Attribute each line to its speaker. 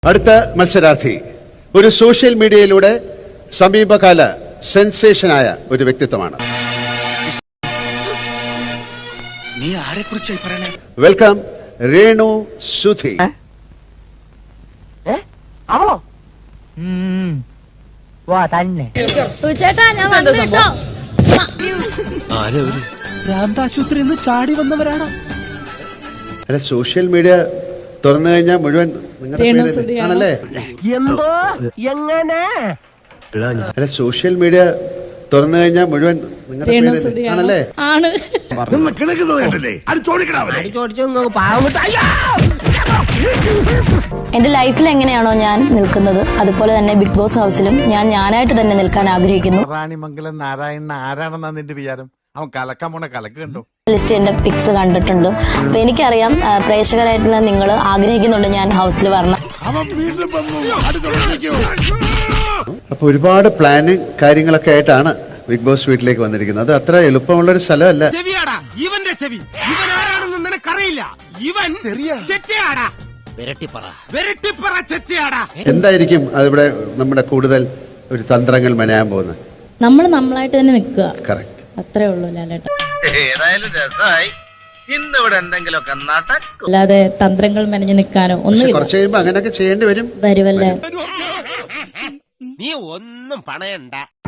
Speaker 1: അടുത്ത മത്സരാർത്ഥി ഒരു സോഷ്യൽ മീഡിയയിലൂടെ സമീപകാല സെൻസേഷനായ ഒരു വ്യക്തിത്വമാണ്.
Speaker 2: നീ ആരെക്കുറിച്ചായി പറയണേ?
Speaker 1: വെൽക്കം രേണു സുധി.
Speaker 2: ഭ്രാന്താശുപത്രിയിൽ ചാടി വന്നവരാണോ?
Speaker 1: അല്ല, സോഷ്യൽ മീഡിയ തുറന്നു കഴിഞ്ഞാൽ മുഴുവൻ നിങ്ങളുടെ പേര് ആണല്ലേ?
Speaker 2: എന്തോ എങ്ങനെ?
Speaker 1: അല്ല, സോഷ്യൽ മീഡിയ തുറന്നു കഴിഞ്ഞാൽ മുഴുവൻ നിങ്ങളുടെ പേര് ആണല്ലേ?
Speaker 3: എന്റെ ലൈഫിൽ എങ്ങനെയാണോ ഞാൻ നിൽക്കുന്നത് അതുപോലെ തന്നെ ബിഗ് ബോസ് ഹൗസിലും ഞാനായിട്ട് തന്നെ നിൽക്കാൻ ആഗ്രഹിക്കുന്നു.
Speaker 4: റാണിമംഗലം നാരായണൻ ആരാണെന്നാ നിന്റെ വിചാരം? അവൻ കലക്കാൻ പോണ കലക്ക് കണ്ടോ?
Speaker 3: ലിസ്റ്റ് എന്റെ പിക്സ് കണ്ടിട്ടുണ്ട്. അപ്പൊ എനിക്കറിയാം പ്രേക്ഷകരായിട്ടുള്ള നിങ്ങൾ ആഗ്രഹിക്കുന്നുണ്ട് ഞാൻ ഹൗസിൽ വരണം.
Speaker 1: അപ്പൊ ഒരുപാട് പ്ലാനിങ് കാര്യങ്ങളൊക്കെ ആയിട്ടാണ് ബിഗ് ബോസ് വീട്ടിലേക്ക് വന്നിരിക്കുന്നത്. അത് അത്ര എളുപ്പമുള്ളൊരു സ്ഥലമല്ല.
Speaker 5: ചെവിയാടാ ഇവന്റെ ചെവി. ഇവൻ ആരാണെന്ന് നിനക്കറിയില്ല. ഇവൻ ചെറ്റയാടാ. വെരട്ടിപ്പറ ചെറ്റയാടാ.
Speaker 1: എന്തായിരിക്കും അതിവിടെ നമ്മുടെ കൂടുതൽ ഒരു തന്ത്രങ്ങൾ മെനയാൻ പോകുന്നത്?
Speaker 3: നമ്മൾ നമ്മളായിട്ട് തന്നെ നിൽക്കുക.
Speaker 1: കറക്റ്റ്.
Speaker 3: അത്രേ ഉള്ളൂ ലാലേട്ട.
Speaker 6: ഏതായാലും രസമായി. ഇന്നിവിടെ എന്തെങ്കിലുമൊക്കെ നടക്കും.
Speaker 3: അല്ലാതെ തന്ത്രങ്ങൾ മെനഞ്ഞു നിൽക്കാനോ ഒന്നും
Speaker 1: കുറച്ച് കഴിയുമ്പോ അങ്ങനെയൊക്കെ ചെയ്യേണ്ടി വരും.
Speaker 3: വരുമല്ലേ?
Speaker 5: നീ ഒന്നും പണയണ്ട.